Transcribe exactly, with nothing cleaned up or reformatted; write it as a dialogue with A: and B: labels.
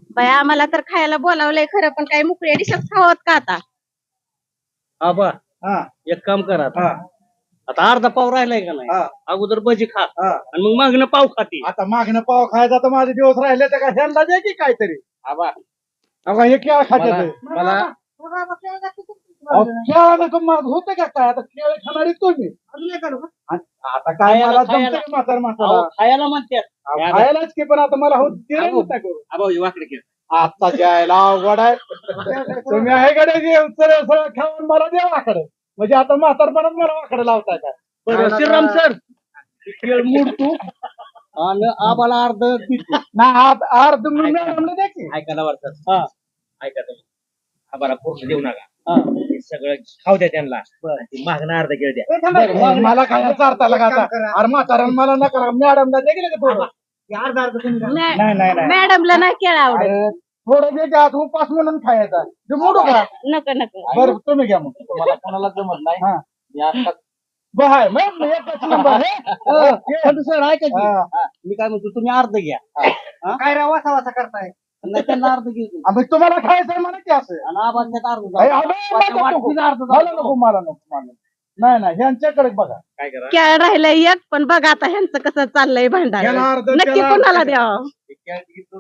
A: बाई आम्हाला तर खायला बोलावलंय खरं, पण काही मुकळ्या डिशच खावत का आता?
B: आबा
C: हा
B: एक काम करा आता.
C: हा
B: आता अर्धा पाव राहिलाय का नाही
C: हा
B: अगोदर भजी खा
C: हा
B: आणि मग मागणं पाव खाते.
C: आता मागणं पाव खायचा तर माझे दिवस राहिले तर का ह्यांना द्या की काहीतरी.
B: आबा
C: अगं हे केळ खात्यात
B: मला मला
C: केळा नको मग होतं का काय आता केळ खाणारी तुम्ही आता काय
B: खायला-
C: मला
B: खायला.
C: जमतं की म्हातार
B: अहो,
C: म्हातारा
B: खायला म्हणतात.
C: अहो, खायलाच की पण आता मला हो दिलं
B: अहो.
C: नव्हतं करू.
B: आबा हे वाकडे केलं.
C: आता जायला अवघड आहे तुम्ही आहे कडे सरळ सरळ खाऊन मला द्या वाकडे म्हणजे आता म्हातारपणात मला वाकडे लावताय का
B: बरं श्रीराम सर केळ मोडतो आणि आबाला अर्ध देतो.
C: नाही आत- अर्ध मी मॅडमला द्या की
D: ऐका ना वरचं.
B: हा
D: ऐका तुम्ही आम्हाला पूर्ण देऊ नका
B: हा
D: हे सगळं खाऊ द्या त्यांना ती मागणं अर्धा केळ द्या.
C: बरं, मग मला काय चारताला का आता अरे म्हातारण मला नका मॅडमला द्या की नाही थोडं नाही नाही नाही
A: मॅडमला नाही केळ आवडत.
C: अरे थोडं दे की आज उपास म्हणून खायचा ते मोडू का
A: नको नको.
C: बरं तुम्ही घ्या मग
D: मला कोणाला जमत नाही
C: हा
D: मी आता
C: बहाय मग मी एकच नंबर आहे.
B: खंडू सर ऐका की
C: हा.
B: मी काय म्हणतो तुम्ही अर्ध घ्या
C: काय रे वासा वासा करताय
B: नाही त्यांना अर्ध घेतो
C: आम्ही तुम्हाला खायचंय म्हणा की असं
B: आणि आबा त्यात अर्ध
C: अरे,
B: जाऊ.
C: अबे, मला
B: वाटणीचं
C: नको.
B: अर्ध जाऊ.
C: मला नको मला नको मला नाही नाही ह्यांच्याकडे बघा
D: काय करा
A: केळ राहिलंय एक, पण बघा आता ह्यांचं कसं चाललंय भांडण.
C: याला अर्ध,
A: नक्की
C: त्याला अर्ध.
A: कोणाला द्यावं?
D: हे केळ